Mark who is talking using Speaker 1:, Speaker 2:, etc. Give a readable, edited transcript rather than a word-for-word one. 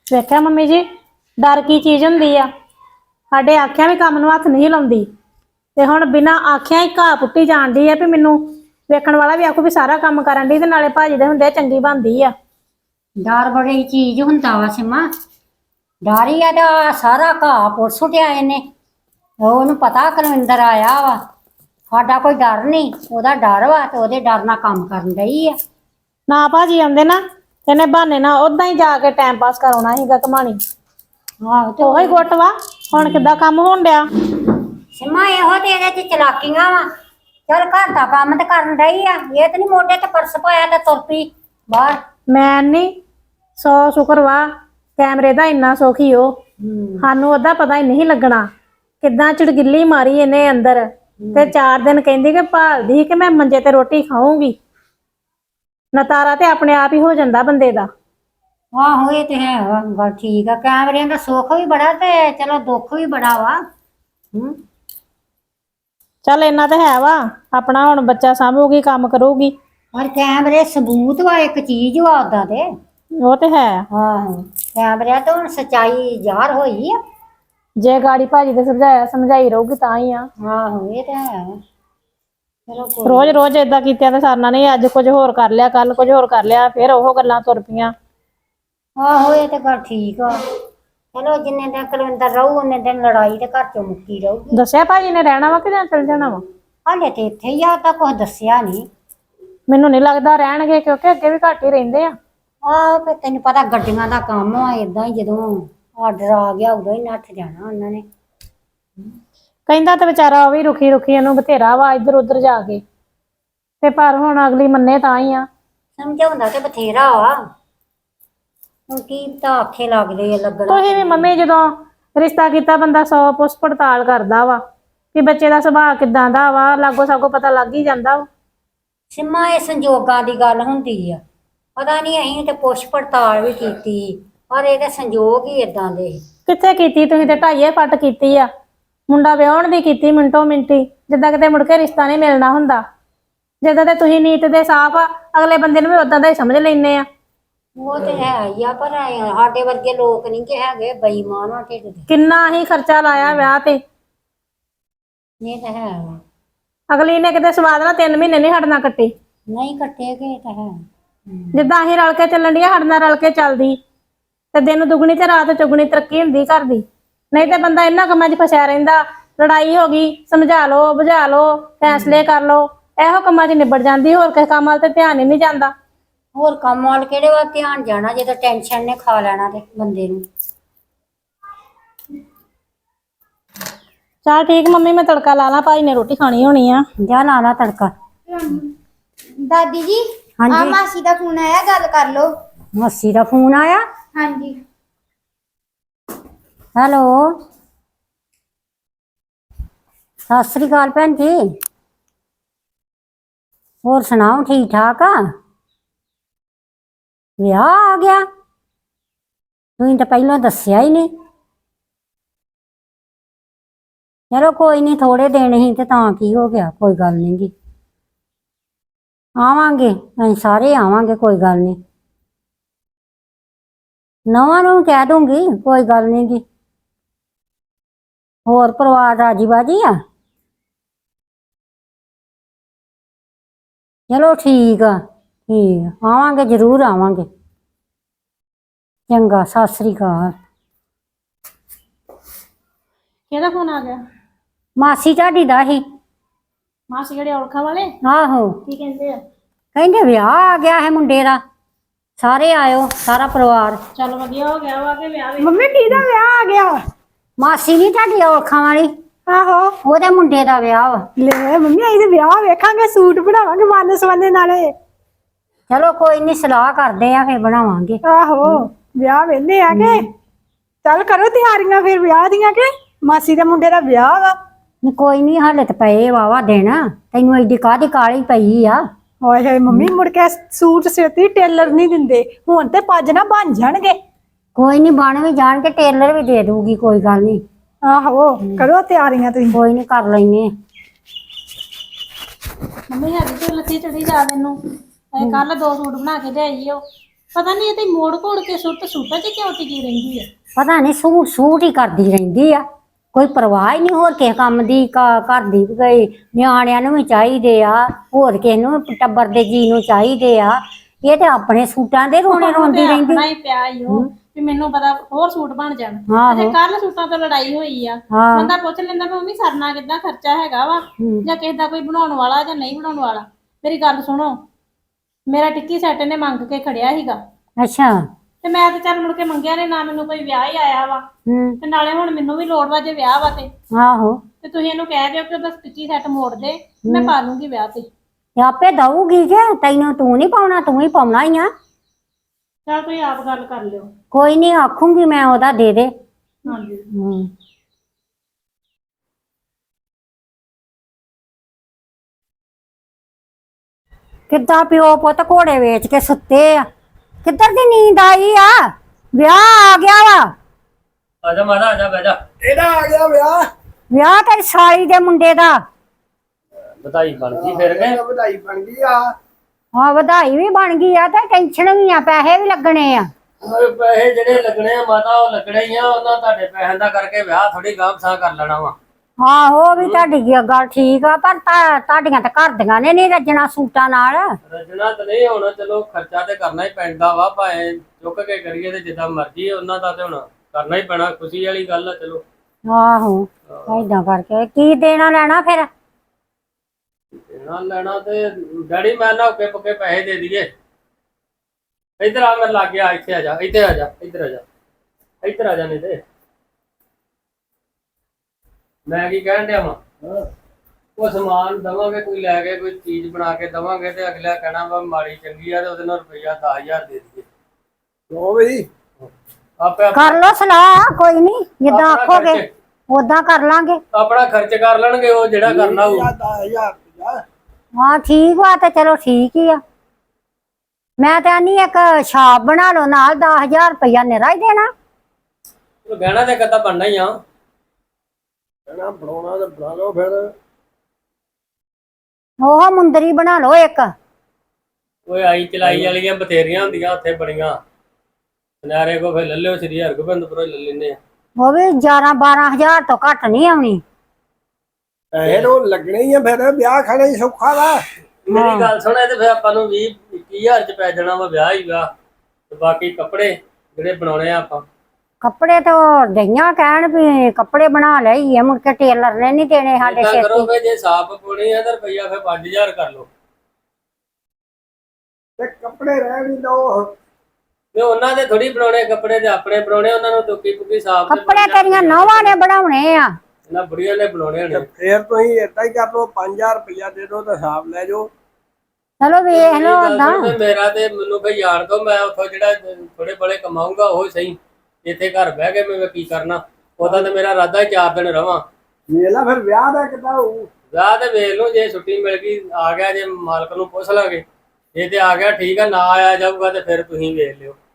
Speaker 1: ਵੇਖਿਆ ਮੰਮੀ ਜੀ, ਡਰ ਕੀ ਚੀਜ਼ ਹੁੰਦੀ ਆ। ਸਾਡੇ ਆਖਿਆਂ ਵੀ ਕੰਮ ਨੂੰ ਹੱਥ ਨਹੀਂ ਲਾਉਂਦੀ, ਤੇ ਹੁਣ ਬਿਨਾਂ ਆਖਿਆਂ ਹੀ ਘਾਹ ਪੁੱਟੀ ਜਾਣਦੀ ਆ ਵੀ ਮੈਨੂੰ ਵੇਖਣ ਵਾਲਾ ਵੀ ਆਖੂ ਵੀ ਸਾਰਾ ਕੰਮ ਕਰਨ ਦੀ, ਤੇ ਨਾਲੇ ਭਾਜੀ ਦੇ ਹੁੰਦੇ ਚੰਗੀ ਬਣਦੀ ਆ।
Speaker 2: ਡਰ ਬੜੀ ਚੀਜ਼ ਹੁੰਦਾ ਵਾ ਸਿਮਾ। ਡਰ ਹੀ ਆ ਤਾਂ ਸਾਰਾ ਘਾਹ ਪੁੱਟ ਸੁੱਟਿਆ ਇਹਨੇ। ਉਹਨੂੰ ਪਤਾ ਕੁਲਵਿੰਦਰ ਆਇਆ ਵਾ, ਸਾਡਾ ਕੋਈ ਡਰ ਨਹੀਂ, ਉਹਦਾ ਡਰ ਵਾ ਤੇ ਉਹਦੇ ਡਰ ਨਾਲ ਕੰਮ ਕਰਨ ਡਈ ਆ।
Speaker 1: ਨਾ ਭਾਜੀ ਆਉਂਦੇ ਨਾ, ਇਹਨੇ ਬਹਾਨੇ ਨਾਲ ਉਦਾਂ ਹੀ ਜਾ ਕੇ ਟਾਈਮ ਪਾਸ ਕਰਾਉਣਾ ਸੀਗਾ ਕਮਾਣੀ।
Speaker 2: ਆਹੋ ਤੇ
Speaker 1: ਉਹੀ ਗੁੱਟ ਵਾ, ਹੁਣ ਕਿੱਦਾਂ ਕੰਮ ਹੋਣ ਡਿਆ।
Speaker 2: ਸਿਮਾ ਇਹੋ ਤੇ ਇਹਦੇ ਚ ਚਲਾਕੀਆਂ ਵਾ। ਚੱਲ ਘਰ ਦਾ ਕੰਮ ਤੇ ਕਰਨ ਡਈ ਆ, ਇਹ ਤੇ ਨਹੀਂ ਮੋਢੇ ਤੇ ਪਰਸ ਪਾਇਆ ਤੇ ਤੁਰ ਪਈ ਬਾਹਰ।
Speaker 1: ਮੈਂ ਨਹੀਂ, 100 ਸ਼ੁਕਰ ਵਾ ਕੈਮਰੇ ਦਾ ਇੰਨਾ ਸੌਖੀ ਉਹ, ਸਾਨੂੰ ਉਹਦਾ ਪਤਾ ਹੀ ਨਹੀਂ ਲੱਗਣਾ ਕਿੱਦਾਂ ਚੜਗਿੱਲੀ ਮਾਰੀ ਇਹਨੇ ਅੰਦਰ। ਤੇ 4 ਦਿਨ ਕਹਿੰਦੀ ਕਿ ਭਾਲਦੀ ਕਿ ਮੈਂ ਮੰਜੇ ਤੇ ਰੋਟੀ ਖਾਊਂਗੀ। ਨਤਾਰਾ ਤੇ ਆਪਣੇ ਆਪ ਹੀ ਹੋ ਜਾਂਦਾ ਬੰਦੇ ਦਾ।
Speaker 2: ਆਹੋ ਇਹ ਤੇ ਹੈ ਵਾ, ਗੱਲ ਠੀਕ ਆ। ਕੈਮਰਿਆਂ ਦਾ ਸੁੱਖ ਵੀ ਬੜਾ ਤੇ ਚਲੋ ਦੁੱਖ ਵੀ ਬੜਾ ਵਾ।
Speaker 1: ਚੱਲ ਇੰਨਾ ਤਾਂ ਹੈ ਵਾ, ਆਪਣਾ ਹੁਣ ਬੱਚਾ ਸਾਂਭੂਗੀ, ਕੰਮ ਕਰੂਗੀ।
Speaker 2: ਪਰ ਕੈਮਰੇ ਸਬੂਤ ਵਾ, ਇੱਕ ਚੀਜ਼ ਵਾ ਉਦਾਂ ਤੇ।
Speaker 1: ਉਹ ਤੇ ਹੈ।
Speaker 2: ਆਹੋ ਕੈਮਰਿਆਂ ਤੋਂ ਹੁਣ ਸੱਚਾਈ ਜ਼ਾਹਰ ਹੋਈ ਆ।
Speaker 1: ਜੇ ਗਾੜੀ ਭਾਜੀ ਤੇ ਸਮਝਾਈ ਰਹੂਗੀ ਤਾਂ ਹੀ ਆ।
Speaker 2: ਆਹੋ ਇਹ ਤੇ ਹੈ। ਚਲੋ
Speaker 1: ਰੋਜ਼ ਰੋਜ਼ ਏਦਾਂ ਕੀਤਿਆਂ ਤੇ ਸਰਨਾ ਨਹੀਂ। ਅੱਜ ਕੁਝ ਹੋਰ ਕਰ ਲਿਆ, ਕੱਲ ਕੁਝ ਹੋਰ ਕਰ ਲਿਆ, ਫਿਰ ਉਹ ਗੱਲਾਂ ਤੁਰ ਪਈਆਂ।
Speaker 2: ਆਹੋ ਇਹ ਤੇ ਗੱਲ ਠੀਕ ਆ। ਚਲੋ ਜਿੰਨੇ ਦਿਨ ਕੁਲਵਿੰਦਰ ਰਹੂ ਉਹਨੇ ਦਿਨ ਲੜਾਈ ਤੇ ਘਰ ਚੋਂ ਮੁੱਕੀ ਰਹੂਗੀ।
Speaker 1: ਦੱਸਿਆ ਭਾਜੀ ਨੇ ਰਹਿਣਾ ਵਾ ਕਿ ਜਾਂ ਚਲ ਜਾਣਾ ਵਾ?
Speaker 2: ਹਾਲੇ ਤੇ ਇੱਥੇ ਹੀ ਆ, ਤਾਂ ਕੁਝ ਦੱਸਿਆ ਨਹੀਂ।
Speaker 1: ਮੈਨੂੰ ਨਹੀਂ ਲੱਗਦਾ ਰਹਿਣਗੇ, ਕਿਉਂਕਿ ਅੱਗੇ ਵੀ ਘੱਟ ਹੀ ਰਹਿੰਦੇ ਆ।
Speaker 2: ਆਹ ਫਿਰ ਤੈਨੂੰ ਪਤਾ ਗੱਡੀਆਂ ਦਾ ਕੰਮ ਆ, ਏਦਾਂ ਹੀ ਜਦੋਂ ਆਰਡਰ ਆ ਗਿਆ ਉਦੋਂ ਹੀ ਨੱਠ ਜਾਣਾ ਉਹਨਾਂ ਨੇ।
Speaker 1: ਕਹਿੰਦਾ ਤੇ ਵਿਚਾਰਾ ਉਹ ਵੀ ਰੁਖੀ ਰੁਖੀ ਇਹਨੂੰ ਬਥੇਰਾ ਵਾ ਇੱਧਰ ਉੱਧਰ ਜਾ ਕੇ, ਤੇ ਪਰ ਹੁਣ ਅਗਲੀ ਮੰਨੇ ਤਾਂ ਹੀ ਆ।
Speaker 2: ਸਮਝਾਉਂਦਾ ਤੇ ਬਥੇਰਾ ਵਾ, ਹੁਣ ਕੀ ਤਾਂ ਆਖੇ ਲੱਗਦੇ ਆ ਲੱਗਣਾ।
Speaker 1: ਤੁਸੀਂ ਵੀ ਮੰਮੀ ਜਦੋਂ ਰਿਸ਼ਤਾ ਕੀਤਾ ਬੰਦਾ 100 ਪੁੱਛ ਪੜਤਾਲ ਕਰਦਾ ਵਾ ਕਿ ਬੱਚੇ ਦਾ ਸੁਭਾਅ ਕਿਦਾਂ ਦਾ ਵਾ, ਲਾਗੋ ਸਾਗੋ ਪਤਾ ਲੱਗ ਹੀ ਜਾਂਦਾ ਵਾ।
Speaker 2: ਸਿਮਾ ਇਹ ਸੰਜੋਗਾਂ ਦੀ ਗੱਲ ਹੁੰਦੀ ਆ। ਪਤਾ ਨਹੀਂ ਅਸੀਂ ਤੇ ਪੁੱਛ ਪੜਤਾਲ ਵੀ ਕੀਤੀ, ਪਰ ਇਹਦੇ ਸੰਜੋਗ ਹੀ ਏਦਾਂ ਦੇ।
Speaker 1: ਕਿੱਥੇ ਕੀਤੀ ਤੁਸੀਂ? ਤੇ 2.5 ਫੱਟ ਕੀਤੀ ਆ। ਮੁੰਡਾ ਵਿਆਹਣ ਦੀ ਕੀਤੀ ਮਿੰਟੋ ਮਿੰਟੀ, ਜਿੱਦਾਂ ਕਿਤੇ ਮੁੜ ਕੇ ਰਿਸ਼ਤਾ ਨਹੀਂ ਮਿਲਣਾ ਹੁੰਦਾ। ਜਿੱਦਾਂ ਤੇ ਤੁਸੀਂ ਨੀਤ ਦੇ ਸਾਫ਼ ਆ, ਅਗਲੇ ਬੰਦੇ ਨੂੰ ਵੀ ਉਦਾਂ ਦਾ ਹੀ ਸਮਝ ਲੈਂਦੇ ਆ।
Speaker 2: ਉਹ ਤੇ ਹੈ ਹੀ ਆ, ਪਰ ਸਾਡੇ ਵਰਗੇ ਲੋਕ ਨਹੀਂ ਕਿ ਹੈਗੇ ਬੇਈਮਾਨ ਆ ਢਿੱਡ ਦੇ।
Speaker 1: ਕਿੰਨਾ ਹੀ ਖਰਚਾ ਲਾਇਆ ਵਿਆਹ ਤੇ।
Speaker 2: ਇਹ ਤਾਂ ਹੈ।
Speaker 1: ਅਗਲੀ ਨੇ ਕਿਤੇ ਸਵਾਦ ਨਾਲ 3 ਮਹੀਨੇ ਨਹੀਂ ਹਟਣਾ ਕੱਟੇ।
Speaker 2: ਨਹੀਂ ਕੱਟੇ ਗਏ ਤਾਂ ਹੈ।
Speaker 1: ਜਿੱਦਾਂ ਅਸੀਂ ਰਲ ਕੇ ਚੱਲਣ ਦੀਆਂ, ਸਾਡੇ ਨਾਲ ਰਲ ਕੇ ਚੱਲਦੀ ਤੇ ਦਿਨ ਦੁਗਣੀ ਤੇ ਰਾਤ ਚੁਗਣੀ ਤਰੱਕੀ ਹੁੰਦੀ ਘਰ ਦੀ। ਨਹੀਂ ਤੇ ਬੰਦਾ ਇਹਨਾਂ ਕੰਮਾਂ 'ਚ ਫਸਿਆ ਰਹਿੰਦਾ। ਲੜਾਈ ਹੋ ਗਈ, ਸਮਝਾ ਲਓ, ਬੁਝਾ ਲਓ, ਫੈਸਲੇ ਕਰ ਲਓ, ਇਹੋ ਕੰਮਾਂ 'ਚ ਨਿਬੜ ਜਾਂਦੀ। ਹੋਰ ਕਿਸੇ ਕੰਮ ਵੱਲ ਤੇ ਧਿਆਨ ਹੀ ਨਹੀਂ ਜਾਂਦਾ।
Speaker 2: ਹੋਰ ਕੰਮ ਵਾਲ ਕਿਹੜੇ ਵੱਲ ਧਿਆਨ ਜਾਣਾ ਜਦੋਂ ਟੈਨਸ਼ਨ ਨੇ ਖਾ ਲੈਣਾ ਤੇ ਬੰਦੇ ਨੂੰ।
Speaker 1: ਚਲ ਠੀਕ ਮੰਮੀ, ਮੈਂ ਤੜਕਾ ਲਾ ਲਾਂ, ਭਾਈ ਨੇ ਰੋਟੀ ਖਾਣੀ ਹੋਣੀ ਆ।
Speaker 2: ਜਾ ਲਾ ਲਾ ਤੜਕਾ।
Speaker 3: ਦਾਦੀ ਜੀ, ਆ ਮਾਸੀ ਦਾ ਫੋਨ ਆਇਆ, ਗੱਲ ਕਰ ਲੋ।
Speaker 2: ਮਾਸੀ ਦਾ ਫੋਨ ਆਇਆ?
Speaker 3: ਹਾਂਜੀ।
Speaker 2: ਹੈਲੋ, ਸਤਿ ਸ੍ਰੀ ਅਕਾਲ ਭੈਣ ਜੀ। ਹੋਰ ਸੁਣਾਓ, ਠੀਕ ਠਾਕ ਆ? ਵਿਆਹ ਆ ਗਿਆ? ਤੁਸੀਂ ਤਾਂ ਪਹਿਲਾਂ ਦੱਸਿਆ ਹੀ ਨਹੀਂ। ਚਲੋ ਕੋਈ ਨਹੀਂ, ਥੋੜੇ ਦਿਨ ਹੀ ਤੇ ਤਾਂ ਕੀ ਹੋ ਗਿਆ, ਕੋਈ ਗੱਲ ਨਹੀਂ ਗੀ। ਆਵਾਂਗੇ ਅਸੀਂ ਸਾਰੇ ਆਵਾਂਗੇ, ਕੋਈ ਗੱਲ ਨਹੀਂ। ਨਵਾਂ ਨੂੰ ਕਹਿ ਦੂੰਗੀ, ਕੋਈ ਗੱਲ ਨਹੀਂ ਗੀ। ਹੋਰ ਪਰਿਵਾਰ ਰਾਜੀ ਬਾਜੀ ਆ? ਚਲੋ ਠੀਕ ਆ, ਠੀਕ ਆ, ਆਵਾਂਗੇ, ਜ਼ਰੂਰ ਆਵਾਂਗੇ। ਚੰਗਾ, ਸਤਿ ਸ੍ਰੀ ਅਕਾਲ।
Speaker 1: ਕਿਹਦਾ ਫੋਨ ਆ ਗਿਆ?
Speaker 2: ਮਾਸੀ ਤੁਹਾਡੀ ਦਾ ਹੀ।
Speaker 1: ਮਾਸੀ ਜਿਹੜੇ ਔਲਖਾਂ ਵਾਲੇ?
Speaker 2: ਆਹੋ,
Speaker 1: ਕੀ ਕਹਿੰਦੇ ਆ?
Speaker 2: ਕਹਿੰਦੇ ਵਿਆਹ ਆ ਗਿਆ ਹੈ ਮੁੰਡੇ ਦਾ, ਸਾਰੇ ਆਇਓ, ਸਾਰਾ ਪਰਿਵਾਰ।
Speaker 1: ਚੱਲ ਵਧੀਆ ਹੋ ਗਿਆ ਵਾ ਕਿ ਵਿਆਹ ਵੀ।
Speaker 3: ਮੰਮੀ ਕਿਹਦਾ ਵਿਆਹ ਆ ਗਿਆ?
Speaker 2: ਮਾਸੀ ਨਹੀਂ ਤੁਹਾਡੀ ਔਲਖਾਂ ਵਾਲੀ,
Speaker 3: ਆਹੋ।
Speaker 2: ਉਹਦੇ ਮੁੰਡੇ ਦਾ ਵਿਆਹ ਵਾ।
Speaker 3: ਲੈ ਮੰਮੀ, ਅਸੀਂ ਤੇ ਵਿਆਹ ਵੇਖਾਂਗੇ, ਸੂਟ ਬਣਾਵਾਂਗੇ ਵੰਨ ਸਵੰਨੇ ਨਾਲੇ।
Speaker 2: ਚਲੋ ਕੋਈ ਨਹੀਂ, ਸਲਾਹ ਕਰਦੇ ਆ, ਫਿਰ ਬਣਾਵਾਂਗੇ।
Speaker 3: ਆਹੋ, ਵਿਆਹ ਵੇਲੇ ਆ ਕੇ ਚੱਲ ਕਰੋ ਤਿਆਰੀਆਂ ਫਿਰ ਵਿਆਹ ਦੀਆਂ। ਕਿ ਮਾਸੀ ਦੇ ਮੁੰਡੇ ਦਾ ਵਿਆਹ ਵਾ।
Speaker 2: ਕੋਈ ਨਹੀਂ, ਹਾਲੇ ਤਾਂ ਪਏ ਵਾਵਾ ਦਿਨ, ਤੈਨੂੰ ਐਡੀ ਕਾਹਦੀ ਕਾਹਲੀ ਪਈ ਆ?
Speaker 3: ਹੋਏ ਹੋਏ ਮੰਮੀ, ਮੁੜ ਕੇ ਸੂਟ ਸਿੱਤੀ ਟੇਲਰ ਨਹੀਂ ਦਿੰਦੇ, ਹੁਣ ਤੇ ਪੱਜ ਨਾ ਬਣ ਜਾਣਗੇ।
Speaker 2: ਕੋਈ ਨਹੀਂ, ਬਣ ਵੀ ਜਾਣ ਕੇ ਟੇਲਰ ਵੀ ਦੇ ਦੂਗੀ, ਕੋਈ ਗੱਲ ਨਹੀਂ।
Speaker 3: ਆਹੋ, ਕਰੋ ਤਿਆਰੀਆਂ ਤੁਸੀਂ।
Speaker 2: ਕੋਈ ਨਹੀਂ, ਕਰ ਲੈਨੇ।
Speaker 1: ਮੰਮੀ ਹੈਗੀ ਤੇ ਲੱਤੀ ਚੜੀ ਜਾ ਮੈਨੂੰ। ਕੱਲ 2 ਸੂਟ ਬਣਾ ਕੇ ਲਿਆਈ ਓ। ਪਤਾ ਨਹੀਂ ਇਹ ਤੇ ਮੋੜ ਘੋੜ ਕੇ ਸੂਟਾਂ 'ਚ ਕਿਉਂ ਟਿਕੀ ਰਹਿੰਦੀ ਆ।
Speaker 2: ਪਤਾ ਨਹੀਂ ਸੂਟ ਸੂਟ ਹੀ ਕਰਦੀ ਰਹਿੰਦੀ ਆ, ਕੋਈ ਪਰਵਾਹ ਹੀ ਨਹੀਂ ਹੋਰ ਕਿਸੇ ਕੰਮ ਦੀ, ਘਰ ਦੀ ਵੀ ਕੋਈ ਨਿਆਣਿਆਂ ਨੂੰ ਵੀ ਚਾਹੀਦੇ ਆ, ਹੋਰ ਕਿਸੇ ਨੂੰ ਵੀ ਟੱਬਰ ਦੇ ਜੀ ਨੂੰ ਚਾਹੀਦੇ ਆ। ਇਹ ਤੇ ਆਪਣੇ ਸੂਟਾਂ ਦੇ ਰੋਣੇ ਰੋਂਦੀ ਰਹਿੰਦੀ।
Speaker 1: ਆਪਣਾ ਹੀ ਪਿਆ ਈ ਉਹ ਵੀ ਮੈਨੂੰ ਪਤਾ ਹੋਰ ਸੂਟ ਬਣ ਜਾਣ।
Speaker 2: ਆਹੋ।
Speaker 1: ਤੇ ਕੱਲ ਸੂਟਾਂ ਤੋਂ ਲੜਾਈ ਹੋਈ ਆ,
Speaker 2: ਹਾਂ।
Speaker 1: ਬੰਦਾ ਪੁੱਛ ਲੈਂਦਾ ਵੀ ਮੰਮੀ ਸਰਨਾ ਕਿੱਦਾਂ, ਖਰਚਾ ਹੈਗਾ ਵਾ ਜਾਂ ਕਿਸੇ ਦਾ ਕੋਈ ਬਣਾਉਣ ਵਾਲਾ ਜਾਂ ਨਹੀਂ ਬਣਾਉਣ ਵਾਲਾ। ਮੇਰੀ ਗੱਲ ਸੁਣੋ, ਮੇਰਾ ਟਿੱਕੀ ਸੈੱਟ ਨੇ ਮੰਗ ਕੇ ਖੜਿਆ ਸੀਗਾ
Speaker 2: ਅੱਛਾ।
Speaker 1: ਤੇ ਮੈਂ ਤੇ ਚੱਲ ਮੁੜ ਕੇ ਮੰਗਿਆ ਨੇ ਨਾ, ਮੈਨੂੰ ਕੋਈ ਵਿਆਹ ਹੀ ਆਇਆ ਵਾ ਤੇ ਨਾਲੇ ਹੁਣ ਮੈਨੂੰ ਵੀ ਲੋੜ ਵਾ ਜੇ ਵਿਆਹ ਵਾ ਤੇ
Speaker 2: ਆਹੋ।
Speaker 1: ਤੁਸੀਂ ਇਹਨੂੰ ਕਹਿ ਦਿਓ ਕਿ ਬਸ ਟਿੱਕੀ ਸੈੱਟ ਮੋੜ ਦੇ, ਮੈਂ ਪਾ ਲੂੰਗੀ ਵਿਆਹ ਤੇ।
Speaker 2: ਤੇ ਆਪੇ ਦਊਗੀ ਕਿ ਤੈਨੂੰ ਤੂੰ ਨਹੀਂ ਪਾਉਣਾ, ਤੂੰ ਹੀ ਪਾਉਣਾ ਹੀ ਆ।
Speaker 1: ਚੱਲ ਤੁਸੀਂ ਆਪ ਗੱਲ ਕਰ ਲਿਓ।
Speaker 2: ਕੋਈ ਨਹੀਂ ਆਖੂੰਗੀ ਮੈਂ, ਉਹਦਾ ਦੇ ਦੇ।
Speaker 1: ਹਾਂਜੀ।
Speaker 2: ਕਿੱਦਾਂ ਪਿਓ ਪੁੱਤ ਘੋੜੇ ਵੇਚ ਕੇ ਸੁੱਤੇ ਆ, ਕਿੱਧਰ ਦੀ ਨੀਂਦ ਆਈ ਆ? ਵਿਆਹ ਆ ਗਿਆ ਵਾ।
Speaker 4: ਆਜਾ ਮਾਤਾ ਆਜਾ ਬਹਿ ਜਾ।
Speaker 3: ਇਹਦਾ ਆ ਗਿਆ ਵਿਆਹ।
Speaker 2: ਵਿਆਹ ਤੇਰੀ ਸਾਲੀ ਦੇ ਮੁੰਡੇ ਦਾ।
Speaker 4: ਵਧਾਈ ਬਣ ਗਈ ਫਿਰ ਕੇ।
Speaker 3: ਵਧਾਈ ਬਣ ਗਈ ਆ।
Speaker 2: ਹਾਂ ਵਧਾਈ ਵੀ ਬਣ ਗਈ ਆ ਤੇ ਟੈਨਸ਼ਨ ਵੀ ਆ, ਪੈਸੇ ਵੀ ਲੱਗਣੇ ਆ।
Speaker 4: ਓਏ ਪੈਸੇ ਜਿਹੜੇ ਲੱਗਣੇ ਆ ਮਾਤਾ ਉਹ ਲੱਗਣੇ ਹੀ ਆ, ਉਹਨਾਂ ਤੁਹਾਡੇ ਪੈਸਿਆਂ ਦਾ ਕਰਕੇ ਵਿਆਹ ਥੋੜੀ ਗਾਂਵਸਾਂ ਕਰ ਲੈਣਾ ਵਾ।
Speaker 2: ਆਹੋ ਉਹ ਵੀ ਤੁਹਾਡੀ ਗੱਲ ਠੀਕ ਆ, ਪਰ ਤੁਹਾਡੀਆਂ ਤਾਂ ਘਰ ਦੀਆਂ ਨੇ ਨਹੀਂ ਰੱਜਣਾ ਸੂਟਾਂ ਨਾਲ।
Speaker 4: ਰੱਜਣਾ ਤਾਂ ਨਹੀਂ ਹੋਣਾ, ਚਲੋ ਖਰਚਾ ਤੇ ਕਰਨਾ ਹੀ ਪੈਂਦਾ ਵਾ, ਭਾਵੇਂ ਚੁੱਕ ਕੇ ਕਰੀਏ ਤੇ ਜਿੱਦਾਂ ਮਰਜ਼ੀ ਉਹਨਾਂ ਦਾ ਤੇ ਹੁਣ ਕਰਨਾ ਹੀ ਪੈਣਾ, ਖੁਸ਼ੀ ਵਾਲੀ ਗੱਲ ਆ। ਚਲੋ
Speaker 2: ਆਹੋ ਏਦਾਂ ਕਰਕੇ ਕੀ ਦੇਣਾ ਲੈਣਾ ਫਿਰ?
Speaker 4: ਦੇਣਾ ਲੈਣਾ ਤੇ ਡੈਡੀ ਮੈਂ ਨਾ ਉੱਕੇ ਪੁੱਕੇ ਪੈਸੇ ਦੇ ਦਈਏ। ਇੱਧਰ ਆ, ਮੇਰੇ ਲਾਗੇ ਆ, ਇੱਥੇ ਆ ਜਾ, ਇੱਧਰ ਆ ਜਾ, ਇੱਧਰ ਆ ਜਾ, ਇੱਧਰ ਆ ਜਾ। ਨਹੀਂ ਤੇ ਮੈਂ ਕੀ ਕਹਿਣ ਡਿਆ ਵਾਂ, ਉਹ ਸਮਾਨ ਦਵਾਂਗੇ ਕੋਈ ਲੈ ਕੇ, ਕੋਈ ਚੀਜ਼ ਬਣਾ ਕੇ ਦਵਾਂਗੇ ਤੇ ਅਗਲਾ ਕਹਿਣਾ ਵਾ ਮਾੜੀ ਚੰਗੀ ਆ ਤੇ ਉਹਦੇ ਨਾਲ ਰੁਪਈਆ 10,000 ਦੇ ਦਈਏ।
Speaker 3: ਲੋ ਬਈ
Speaker 4: ਆਪੇ
Speaker 2: ਕਰ ਲੋ ਸਲਾਹ, ਕੋਈ ਨਹੀਂ ਜਿੱਦਾਂ
Speaker 4: ਆਪਣਾ
Speaker 2: ਆਖੋਗੇ
Speaker 4: ਖਰਚ-
Speaker 2: ਉਦਾਂ ਕਰ ਲਾਂਗੇ।
Speaker 4: ਆਪਣਾ ਖਰਚ ਕਰ ਲੈਣਗੇ ਉਹ ਜਿਹੜਾ ਕਰਨਾ ਹੋਊ।
Speaker 3: 10,000 ਰੁਪਇਆ।
Speaker 2: ਹਾਂ ਠੀਕ ਵਾ, ਤੇ ਚਲੋ ਠੀਕ ਹੀ ਆ। ਮੈਂ ਤਾਂ ਨਹੀਂ ਇੱਕ ਛਾਪ ਬਣਾ ਲਓ ਨਾਲ, 10,000 ਰੁਪਇਆ ਨਿਰਾ ਹੀ ਦੇਣਾ।
Speaker 4: ਉਹ ਗਹਿਣਾ ਤੇ ਕਦਾ ਬਣਨਾ ਹੀ ਆ।
Speaker 3: ਕਹਿਣਾ ਬਣਾਉਣਾ ਤੇ ਬਣਾ ਲਓ ਫਿਰ।
Speaker 2: ਉਹ ਮੁੰਦਰੀ ਬਣਾ ਲਓ ਇੱਕ।
Speaker 4: ਓਏ ਆਈ ਚਲਾਈ ਵਾਲੀਆਂ ਬਥੇਰੀਆਂ ਹੁੰਦੀਆਂ ਉੱਥੇ ਬੜੀਆਂ, ਸੁਨਿਆਰੇ ਕੋ ਫਿਰ ਲੈ ਲਿਓ, ਸ੍ਰੀ ਹਰਗੋਬਿੰਦਪੁਰੋਂ ਲੈ ਲੈਨੇ ਆ।
Speaker 2: ਉਹ ਵੀ 11-12,000 ਤੋਂ ਘੱਟ ਨਹੀਂ ਆਉਣੀ।
Speaker 3: ਪੈਸੇ ਤਾਂ ਲੱਗਣੇ ਹੀ ਆ, ਫਿਰ ਵਿਆਹ ਖਾਣਾ ਹੀ ਸੌਖਾ ਵਾ।
Speaker 4: ਮੇਰੀ ਗੱਲ ਸੁਣੇ ਤੇ ਫਿਰ ਆਪਾਂ ਨੂੰ 20-21,000 ਚ ਪੈ ਜਾਣਾ ਵਾ ਵਿਆਹ ਹੀ ਵਿਆਹ, ਤੇ ਬਾਕੀ ਕੱਪੜੇ ਜਿਹੜੇ ਬਣਾਉਣੇ ਆ ਆਪਾਂ।
Speaker 2: ਕੱਪੜੇ ਤਾਂ ਗਈਆਂ ਕਹਿਣ ਵੀ ਕੱਪੜੇ ਬਣਾ ਲਈਏ, ਮੁੜ ਕੇ ਟੇਲਰ ਨੇ ਨਹੀਂ ਦੇਣੇ ਸਾਡੇ
Speaker 4: ਏਦਾਂ
Speaker 2: ਛੇਤੀ।
Speaker 4: ਕਰੋਗੇ ਜੇ ਸਾਫ ਪਾਉਣੀ ਆ ਤਾਂ ਰੁਪਈਆ ਫਿਰ 5,000 ਕਰ ਲਓ।
Speaker 3: ਤੇ ਕੱਪੜੇ ਰਹਿ ਵੀ ਲਓ।
Speaker 4: ਤੇ ਉਹਨਾਂ ਦੇ ਥੋੜੀ ਬਣਾਉਣੇ ਕੱਪੜੇ, ਤੇ ਆਪਣੇ ਬਣਾਉਣੇ, ਉਹਨਾਂ ਨੂੰ ਟੁੱਕੀ ਪੁੱਕੀ ਸਾਫ
Speaker 2: ਕੱਪੜੇ ਤੇਰੀਆਂ ਨੌਵਾਂ ਨੇ ਬਣਾਉਣੇ ਆ।
Speaker 4: ਇਹਨਾਂ ਬੁੜੀਆਂ ਨੇ ਬਣਾਉਣੇ ਹੋਣੇ।
Speaker 3: ਫਿਰ ਤੁਸੀਂ ਏਦਾਂ ਹੀ ਕਰ ਲਓ, 5,000 ਰੁਪਇਆ ਦੇ ਦਿਓ ਤੇ ਹਿਸਾਬ ਲੈ ਜਾਓ।
Speaker 2: ਚਲੋ ਵੇਖ
Speaker 4: ਮੇਰੀ
Speaker 2: ਲਓ
Speaker 4: ਗੱਲ
Speaker 2: ਓਦਾਂ।
Speaker 4: ਸੁਣ, ਮੇਰਾ ਤੇ ਮੈਨੂੰ ਫੇ ਯਾਰ ਦੋ, ਮੈਂ ਉੱਥੋਂ ਜਿਹੜਾ ਥੋੜੇ ਬੜੇ ਕਮਾਊਂਗਾ ਉਹ ਸਹੀ, ਇੱਥੇ ਘਰ ਬਹਿ ਕੇ ਮੈਂ ਕੀ ਕਰਨਾ। ਉਹਦਾ ਤੇ ਮੇਰਾ ਇਰਾਦਾ 4 ਦਿਨ ਰਵਾਂ।
Speaker 3: ਵੇਖ ਲਾ ਫਿਰ ਵਿਆਹ ਦਾ ਕਿੱਦਾਂ ਹੋਊ।
Speaker 4: ਵਿਆਹ ਤੇ ਵੇਖ ਲਓ, ਜੇ ਛੁੱਟੀ ਮਿਲ ਗਈ ਆ ਗਿਆ, ਜੇ ਮਾਲਕ ਨੂੰ ਪੁੱਛ ਲਾਂਗੇ, ਜੇ ਤੇ ਆ ਗਿਆ ਠੀਕ ਆ, ਨਾ ਆਇਆ ਜਾਊਗਾ ਤੇ ਫਿਰ ਤੁਸੀਂ ਵੇਖ ਲਿਓ।